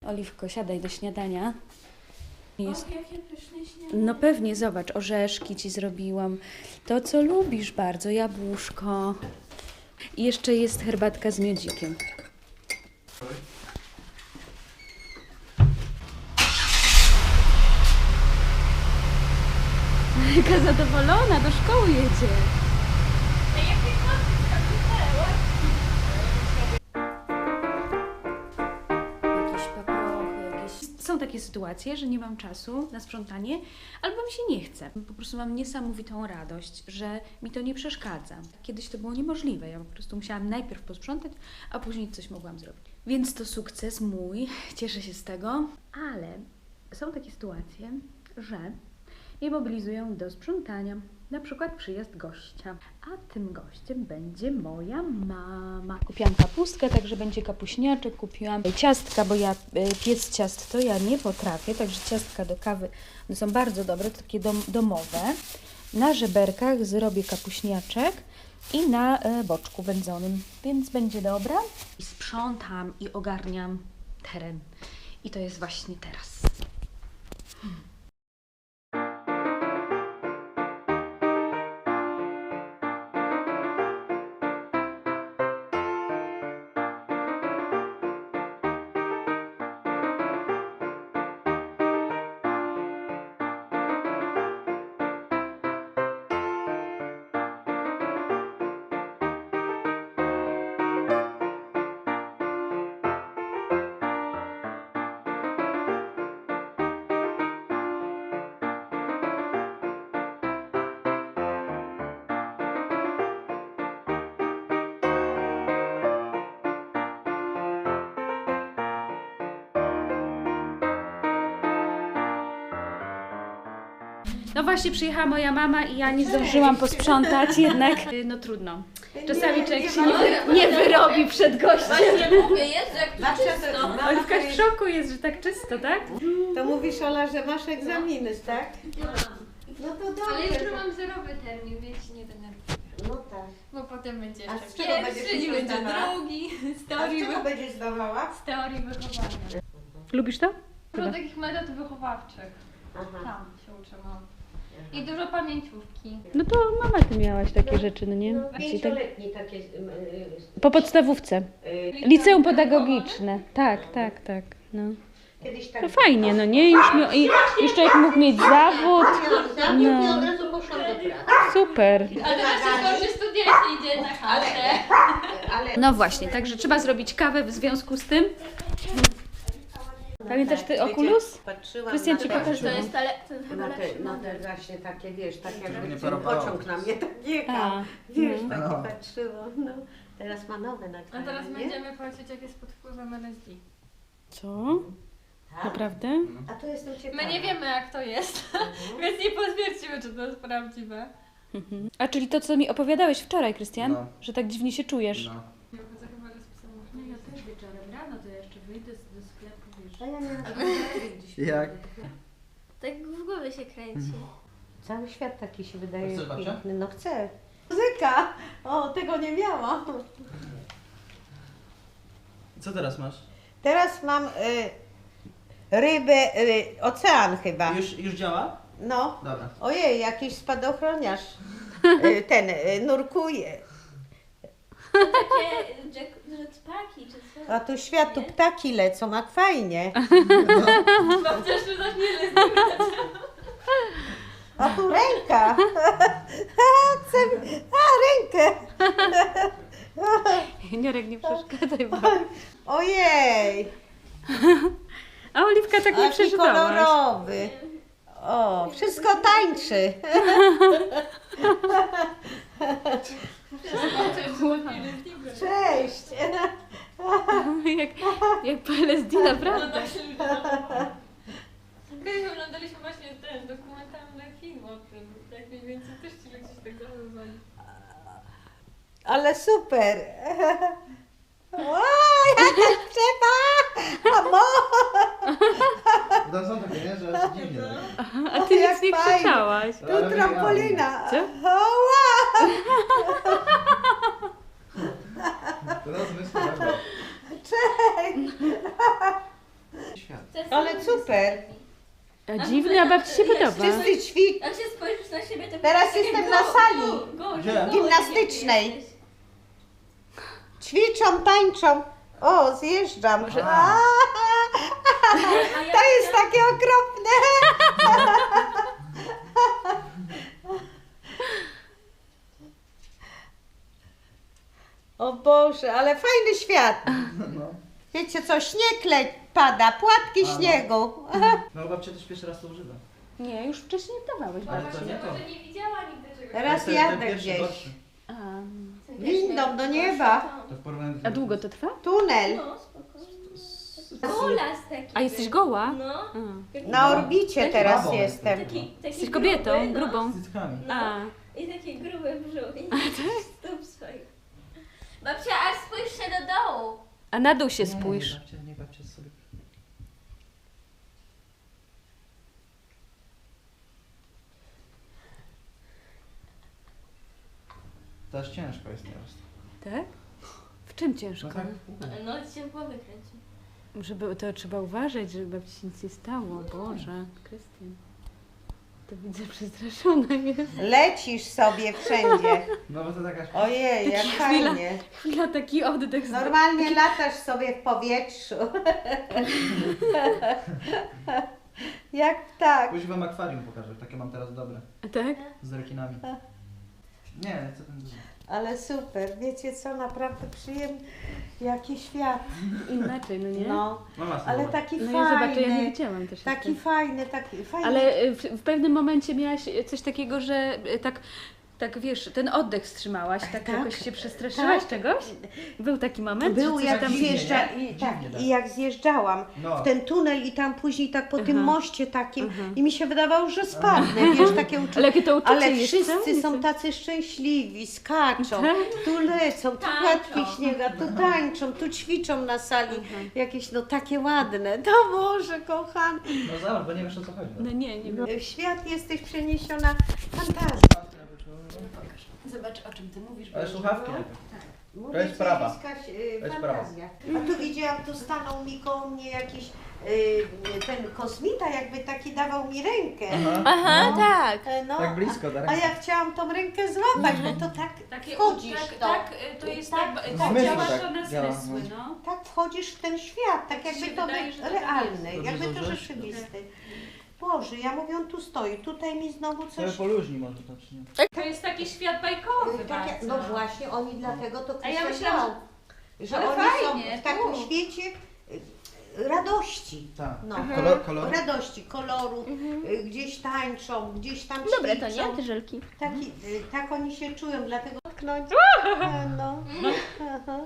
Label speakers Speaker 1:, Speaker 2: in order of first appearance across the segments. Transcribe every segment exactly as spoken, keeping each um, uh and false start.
Speaker 1: Oliwko, siadaj do śniadania. Jest...
Speaker 2: Och, jakie pyszne śniadanie.
Speaker 1: No pewnie, zobacz, orzeszki ci zrobiłam. To, co lubisz bardzo, jabłuszko. I jeszcze jest herbatka z miodzikiem. Jaka zadowolona, do szkoły jedzie. Jakieś paprochy, jakieś... Są takie sytuacje, że nie mam czasu na sprzątanie, albo mi się nie chce. Po prostu mam niesamowitą radość, że mi to nie przeszkadza. Kiedyś to było niemożliwe. Ja po prostu musiałam najpierw posprzątać, a później coś mogłam zrobić. Więc to sukces mój, cieszę się z tego, ale są takie sytuacje, że mnie mobilizują do sprzątania. Na przykład przyjazd gościa, a tym gościem będzie moja mama. Kupiłam kapustkę, także będzie kapuśniaczek, kupiłam ciastka, bo ja piec ciast to ja nie potrafię, także ciastka do kawy one są bardzo dobre, to takie dom, domowe. Na żeberkach zrobię kapuśniaczek i na boczku wędzonym, więc będzie dobra. I sprzątam i ogarniam teren i to jest właśnie teraz. Hmm. No właśnie przyjechała moja mama i ja nie zdążyłam posprzątać, jednak no trudno. Czasami człowiek się nie, nie wyrobi przed gościem.
Speaker 2: Właśnie mówię, jest jak czysto.
Speaker 1: Oliwka w szoku jest, że tak czysto, tak?
Speaker 3: To mówisz, Ola, że masz egzaminy, tak? No to dobrze.
Speaker 2: Ale jutro mam zerowy termin, więc się nie denerwuję.
Speaker 3: No tak.
Speaker 2: Bo potem będzie
Speaker 3: A
Speaker 2: jeszcze
Speaker 3: z czego
Speaker 2: pierwszy,
Speaker 3: będziesz
Speaker 2: i będzie
Speaker 3: zdawała?
Speaker 2: drugi, z
Speaker 3: A z
Speaker 2: teorii,
Speaker 3: czego
Speaker 2: wy...
Speaker 3: będziesz zdawała?
Speaker 2: z teorii wychowania.
Speaker 1: Lubisz to?
Speaker 2: Dużo takich metod wychowawczych.
Speaker 3: Aha.
Speaker 2: Tam się uczyłam. I dużo pamięciówki.
Speaker 1: No to mama, ty miałaś takie rzeczy, no nie?
Speaker 3: No,
Speaker 1: Czyli tak,
Speaker 3: pięcioletni takie... y, y,
Speaker 1: po podstawówce.
Speaker 3: y,
Speaker 1: Liceum pedagogiczne. Tak, tak, tak. No.
Speaker 3: Kiedyś tak...
Speaker 1: To fajnie, no nie? Już, mi, i, już człowiek mógł mieć zawód.
Speaker 3: No. I
Speaker 1: No.
Speaker 3: od razu poszłam do pracy.
Speaker 1: Super.
Speaker 2: Ale teraz się skończy studia i się idzie na chatę.
Speaker 3: Ale...
Speaker 1: No właśnie, także trzeba zrobić kawę w związku z tym. Pamiętasz ty Oculus?
Speaker 3: Patrzyłam
Speaker 1: Krystian
Speaker 3: na
Speaker 1: ci
Speaker 3: te-
Speaker 1: pokaże.
Speaker 2: To jest ale ten chyba
Speaker 3: Na te,
Speaker 2: lepszy
Speaker 3: na
Speaker 2: model.
Speaker 3: te właśnie takie, wiesz, tak jakby
Speaker 4: nie
Speaker 3: ten
Speaker 4: parowało.
Speaker 3: pociąg na mnie tak jechał.
Speaker 1: A,
Speaker 3: Wiesz,
Speaker 1: no.
Speaker 3: tak
Speaker 4: No.
Speaker 3: patrzyło. No. Teraz ma nowe
Speaker 2: A
Speaker 3: nagranie,
Speaker 2: teraz
Speaker 3: nie?
Speaker 2: będziemy patrzeć jak jest pod wpływem L S D.
Speaker 1: Co?
Speaker 3: Tak?
Speaker 1: Naprawdę?
Speaker 3: A to jestem ciekawa.
Speaker 2: My nie wiemy jak to jest,
Speaker 3: Mhm.
Speaker 2: więc nie potwierdzimy czy to jest prawdziwe.
Speaker 1: Mhm. A czyli to, co mi opowiadałeś wczoraj, Krystian?
Speaker 4: No.
Speaker 1: Że tak dziwnie się czujesz.
Speaker 4: No.
Speaker 2: Ja chodzę chyba rozpisałam.
Speaker 1: No ja też wieczorem rano to ja jeszcze wyjdę do sklepu, wiesz.
Speaker 3: A ja miałam...
Speaker 1: gdzieś
Speaker 4: Jak?
Speaker 2: Tak w głowie się kręci.
Speaker 3: Cały świat taki się wydaje
Speaker 4: Chcesz, babcia?
Speaker 3: piękny. No chcę. Muzyka! O, tego nie miałam.
Speaker 4: Co teraz masz?
Speaker 3: Teraz mam y, rybę, y, ocean chyba.
Speaker 4: Już, już działa?
Speaker 3: No.
Speaker 4: Dobra.
Speaker 3: Ojej, jakiś spadochroniarz. Y, ten y, nurkuje.
Speaker 2: Takie jetpacki czy co?
Speaker 3: A tu świat, tu ptaki lecą, jak fajnie.
Speaker 2: Mam też że tak nie
Speaker 3: A tu ręka. Chcę- A, rękę.
Speaker 1: Juniorek, nie przeszkadzaj. Bo...
Speaker 3: Ojej.
Speaker 1: A Oliwka tak nie
Speaker 3: Jaki
Speaker 1: przeżywałaś.
Speaker 3: kolorowy. O, wszystko tańczy. Cześć.
Speaker 1: jak, jak po L S D, naprawdę.
Speaker 2: Kiedyś oglądaliśmy właśnie ten dokumentalny film o tym, jak mniej więcej też ci ludzie się tak zachowywali.
Speaker 3: Ale super. Oj, jaka trzeba. Amo.
Speaker 4: To są takie, nie? Że jest dziwnie. tak?
Speaker 1: A ty
Speaker 3: jak
Speaker 1: nic nie
Speaker 3: fajnie.
Speaker 1: krzyczałaś.
Speaker 3: Tu trampolina.
Speaker 1: Co?
Speaker 3: Oła.
Speaker 4: Teraz myślę, dobra.
Speaker 3: Cześć. Ale super.
Speaker 1: A dziwne, a babci się podoba.
Speaker 3: Wszyscy ćwicz.
Speaker 2: Jak się spojrzysz na siebie, to
Speaker 3: Teraz
Speaker 2: takie
Speaker 3: jestem
Speaker 2: go-
Speaker 3: na sali
Speaker 2: go- go-
Speaker 4: Gdzie?
Speaker 2: go-
Speaker 3: gimnastycznej.
Speaker 2: jesteś.
Speaker 3: Ćwiczą, tańczą. O, zjeżdżam. A,
Speaker 2: A ja
Speaker 3: to jest takie okropne. O Boże, ale fajny świat.
Speaker 4: No.
Speaker 3: Wiecie co, śnieg le pada, płatki
Speaker 4: A, no.
Speaker 3: śniegu.
Speaker 4: No babcia też pierwszy raz to używa.
Speaker 1: Nie, już wcześniej dawałeś.
Speaker 4: Ale
Speaker 1: babci.
Speaker 4: to nie to.
Speaker 2: Może nie widziała nigdy czegoś.
Speaker 3: Teraz
Speaker 4: To jest ten
Speaker 3: jadę
Speaker 4: pierwszy,
Speaker 3: gdzieś.
Speaker 4: gorszy.
Speaker 1: A,
Speaker 3: Windą do nieba.
Speaker 4: To w porównaniu do
Speaker 1: a długo to trwa?
Speaker 3: Tunel
Speaker 2: No, spoko. Golas taki.
Speaker 1: A jesteś
Speaker 2: był.
Speaker 1: goła?
Speaker 2: No.
Speaker 1: A.
Speaker 2: Taki-
Speaker 3: na orbicie teraz
Speaker 4: babą
Speaker 3: jestem.
Speaker 2: Taki, taki
Speaker 1: Jesteś kobietą,
Speaker 2: gruby, no.
Speaker 1: grubą.
Speaker 4: Z cyckami.
Speaker 2: No.
Speaker 1: A.
Speaker 2: I taki gruby brzuch. I stóp swoich. Babcia, aż spójrz się do dołu.
Speaker 1: A na dół się
Speaker 4: Nie,
Speaker 1: spójrz.
Speaker 4: Nie, babcia, nie babcia sobie. To aż ciężko jest teraz.
Speaker 1: Tak? W czym ciężko?
Speaker 4: No tak.
Speaker 2: No, ci się głowy kręci.
Speaker 1: Żeby to trzeba uważać, żeby babci się nic nie stało. Boże, Krystian. To widzę, przestraszona jest.
Speaker 3: Lecisz sobie wszędzie.
Speaker 4: No bo to taka...
Speaker 3: Ojej, jak
Speaker 1: Taka chwila.
Speaker 3: fajnie.
Speaker 1: Chwila, taki oddech. z-
Speaker 3: Normalnie latasz sobie w powietrzu. Jak tak.
Speaker 4: Później wam akwarium pokażę, takie mam teraz dobre.
Speaker 1: Tak?
Speaker 4: Z rekinami. Nie, co ten dużo.
Speaker 3: Ale super, wiecie co, naprawdę przyjemny. Jaki świat.
Speaker 1: Inaczej, no nie?
Speaker 3: No,
Speaker 4: Mama sobie
Speaker 3: ale
Speaker 4: zobacz.
Speaker 3: taki
Speaker 1: No ja zobaczę, ja nie
Speaker 3: fajny.
Speaker 1: widziałam też.
Speaker 3: Taki
Speaker 1: jeszcze.
Speaker 3: fajny, taki fajny.
Speaker 1: Ale y, w, w pewnym momencie miałaś coś takiego, że y, tak, tak wiesz, ten oddech wstrzymałaś, tak,
Speaker 3: Tak,
Speaker 1: jakoś się przestraszyłaś
Speaker 3: tak.
Speaker 1: czegoś? Był taki moment?
Speaker 3: Był
Speaker 1: że coś
Speaker 3: jak
Speaker 1: tam...
Speaker 4: dziwnie,
Speaker 3: zjeżdża
Speaker 4: nie?
Speaker 3: i, tak,
Speaker 4: Dziwnie, tak.
Speaker 3: i jak zjeżdżałam
Speaker 4: No.
Speaker 3: w ten tunel i tam później tak po tym
Speaker 1: Aha.
Speaker 3: moście takim
Speaker 1: Aha.
Speaker 3: i mi się wydawało, że spadnę, wiesz, takie uczucie.
Speaker 1: Ale jakie to uczucie
Speaker 3: Ale
Speaker 1: jest,
Speaker 3: wszyscy
Speaker 1: co?
Speaker 3: są tacy szczęśliwi, skaczą,
Speaker 1: Tak.
Speaker 3: tu lecą, tu
Speaker 2: Tańczą.
Speaker 3: płatki śniega, tu tańczą, tu ćwiczą na sali, jakieś no takie ładne. To Boże, kochany.
Speaker 4: No zobacz, bo nie wiesz o co chodzi.
Speaker 1: No nie, nie wiem.
Speaker 3: W świat jesteś przeniesiona fantazją.
Speaker 1: Zobacz, o czym ty mówisz.
Speaker 4: Ale słuchawki
Speaker 3: No.
Speaker 4: najpierw.
Speaker 3: Mówię
Speaker 4: To jest
Speaker 3: ci,
Speaker 4: prawa.
Speaker 3: Jakaś, y,
Speaker 4: To jest
Speaker 3: fantazja. A tu widziałam, tu stanął mi koło mnie jakiś y, ten kosmita, jakby taki dawał mi rękę.
Speaker 4: Aha.
Speaker 2: Aha,
Speaker 3: No.
Speaker 2: tak.
Speaker 3: E, No,
Speaker 4: Tak blisko, tak?
Speaker 3: a, a ja chciałam tą rękę złapać, bo to tak
Speaker 1: Takie,
Speaker 3: wchodzisz
Speaker 1: tak,
Speaker 3: w to.
Speaker 1: tak, y, to jest
Speaker 3: Tak,
Speaker 1: tak,
Speaker 3: tak
Speaker 1: tak,
Speaker 4: zmysły
Speaker 1: działa
Speaker 4: tak
Speaker 1: to na
Speaker 4: działa,
Speaker 1: zmysły,
Speaker 4: no.
Speaker 1: no.
Speaker 3: Tak wchodzisz w ten świat, tak jakby
Speaker 1: się
Speaker 3: to
Speaker 1: wydaje,
Speaker 3: był
Speaker 1: że to tak
Speaker 3: realny,
Speaker 4: jest.
Speaker 3: jakby to
Speaker 4: Dobrze założyłeś?
Speaker 3: rzeczywisty. Boże, ja mówię, on tu stoi, tutaj mi znowu
Speaker 4: Sobie
Speaker 3: coś...
Speaker 4: poluźni może to, czy nie?
Speaker 1: To jest taki świat bajkowy
Speaker 3: Takie,
Speaker 1: bardzo.
Speaker 3: no właśnie, oni dlatego to
Speaker 1: A ja
Speaker 3: Krystian
Speaker 1: myślałam,
Speaker 3: dał, że
Speaker 1: ale
Speaker 3: oni
Speaker 1: fajnie,
Speaker 3: są w takim
Speaker 1: tu.
Speaker 3: świecie y, radości.
Speaker 4: Tak.
Speaker 3: No.
Speaker 4: Kolor, kolor?
Speaker 3: Radości, koloru, y, gdzieś tańczą, gdzieś tam
Speaker 2: Dobre to
Speaker 3: ćwiczą.
Speaker 2: nie, te żelki.
Speaker 3: Taki, y, tak oni się czują, dlatego tknąć. No. Aha.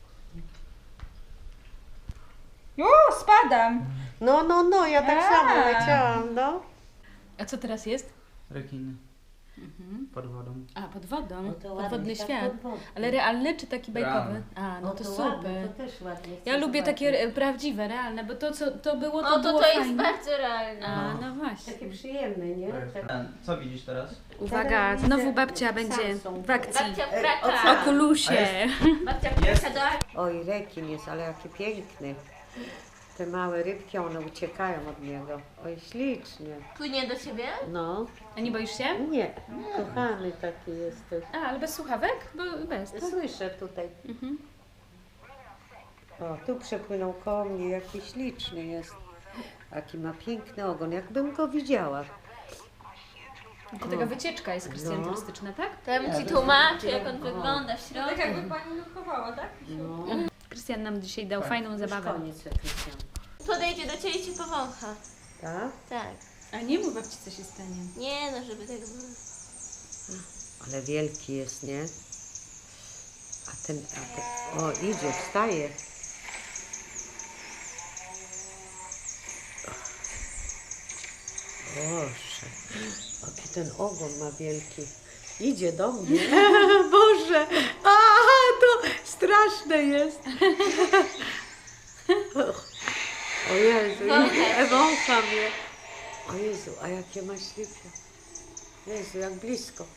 Speaker 5: O, spadam!
Speaker 3: No, no, no, ja tak
Speaker 5: A.
Speaker 3: samo leciałam, no.
Speaker 1: A co teraz jest?
Speaker 4: Rekiny. Pod wodą.
Speaker 1: A, pod wodą.
Speaker 3: No to ładnie,
Speaker 1: Podwodny
Speaker 3: tak,
Speaker 1: świat.
Speaker 3: podwodny.
Speaker 1: Ale realny czy taki bajkowy?
Speaker 4: Realny.
Speaker 1: A, no
Speaker 3: O,
Speaker 1: to
Speaker 3: ładne,
Speaker 1: super.
Speaker 3: to też ładnie. chcę
Speaker 1: Ja lubię
Speaker 3: zobaczyć.
Speaker 1: takie e, prawdziwe, realne, bo to co to było, to
Speaker 2: O, to
Speaker 1: było
Speaker 2: to jest
Speaker 1: fajne.
Speaker 2: bardzo realne.
Speaker 1: A, no właśnie.
Speaker 3: Takie przyjemne, nie?
Speaker 4: To jest
Speaker 3: Tak.
Speaker 4: ten. Co widzisz teraz?
Speaker 1: Uwaga,
Speaker 3: widzę
Speaker 1: znowu babcia będzie
Speaker 3: Samsung.
Speaker 1: w akcji.
Speaker 2: Babcia
Speaker 3: E,
Speaker 2: wkracza.
Speaker 3: ocean.
Speaker 1: Okulusie.
Speaker 2: Babcia
Speaker 4: Jest.
Speaker 2: wkracza do akcji.
Speaker 3: Oj, rekin jest, ale jaki piękny. Te małe rybki, one uciekają od niego. Oj, ślicznie.
Speaker 2: Płynie do ciebie?
Speaker 3: No,
Speaker 1: A nie boisz się?
Speaker 3: nie, kochany taki jesteś.
Speaker 1: A, ale bez słuchawek? Bo bez. tak?
Speaker 3: Słyszę tutaj.
Speaker 1: Mhm.
Speaker 3: O, tu przepłynął koło mnie, jaki śliczny jest. Jaki ma piękny ogon, jakbym go widziała.
Speaker 1: To taka wycieczka jest Krystian
Speaker 3: No.
Speaker 1: turystyczna, tak?
Speaker 2: To ja bym ci tłumaczył, jak on wygląda w środku.
Speaker 5: Tak jakby pani nurkowała, tak?
Speaker 3: No,
Speaker 1: Krystian nam dzisiaj dał
Speaker 4: Tak.
Speaker 1: fajną
Speaker 3: już
Speaker 1: zabawę.
Speaker 3: koniec Krystian.
Speaker 2: Podejdzie do ciebie i ci powącha.
Speaker 3: Tak?
Speaker 2: Tak.
Speaker 1: A nie mów babci, co się stanie.
Speaker 2: Nie no, żeby tak było.
Speaker 3: Ale wielki jest, nie? A ten, a ten, o, idzie, wstaje. Boże, jaki ten ogon ma wielki. Idzie do mnie. Boże, a to straszne jest. O Jezu, wącha mnie. O Jezu, a jakie ma ślipie. Jezu, jak blisko.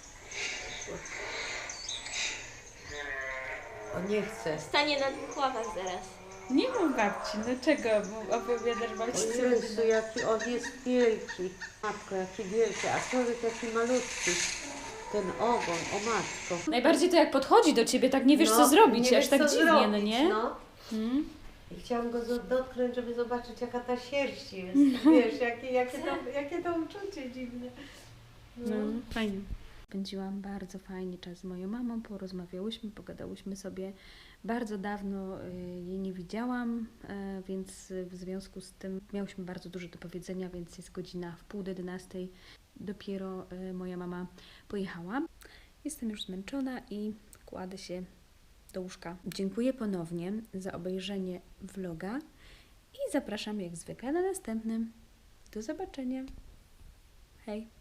Speaker 3: O, nie chcę.
Speaker 2: Stanie na dwóch łapach zaraz.
Speaker 1: Nie mów babci, no czego opowiadasz babci?
Speaker 3: O Jezu, jaki on jest wielki. Matko, jaki wielki, a człowiek jaki malutki. Ten ogon, o matko.
Speaker 1: Najbardziej to jak podchodzi do ciebie, tak nie wiesz
Speaker 3: No,
Speaker 1: co zrobić,
Speaker 3: nie
Speaker 1: aż
Speaker 3: wiesz,
Speaker 1: tak
Speaker 3: co
Speaker 1: dziwnie,
Speaker 3: zrobić,
Speaker 1: no nie?
Speaker 3: No.
Speaker 1: Hmm?
Speaker 3: I chciałam go zo- dotknąć, żeby zobaczyć, jaka ta sierść jest. Wiesz, jakie, jakie, to, jakie to uczucie dziwne.
Speaker 1: No, fajnie. Spędziłam bardzo fajnie czas z moją mamą, porozmawiałyśmy, pogadałyśmy sobie. Bardzo dawno y, jej nie widziałam, y, więc w związku z tym miałyśmy bardzo dużo do powiedzenia, więc jest godzina w pół do jedenastej. Dopiero y, moja mama pojechała. Jestem już zmęczona i kładę się do łóżka. Dziękuję ponownie za obejrzenie vloga i zapraszam jak zwykle na następnym. Do zobaczenia. Hej!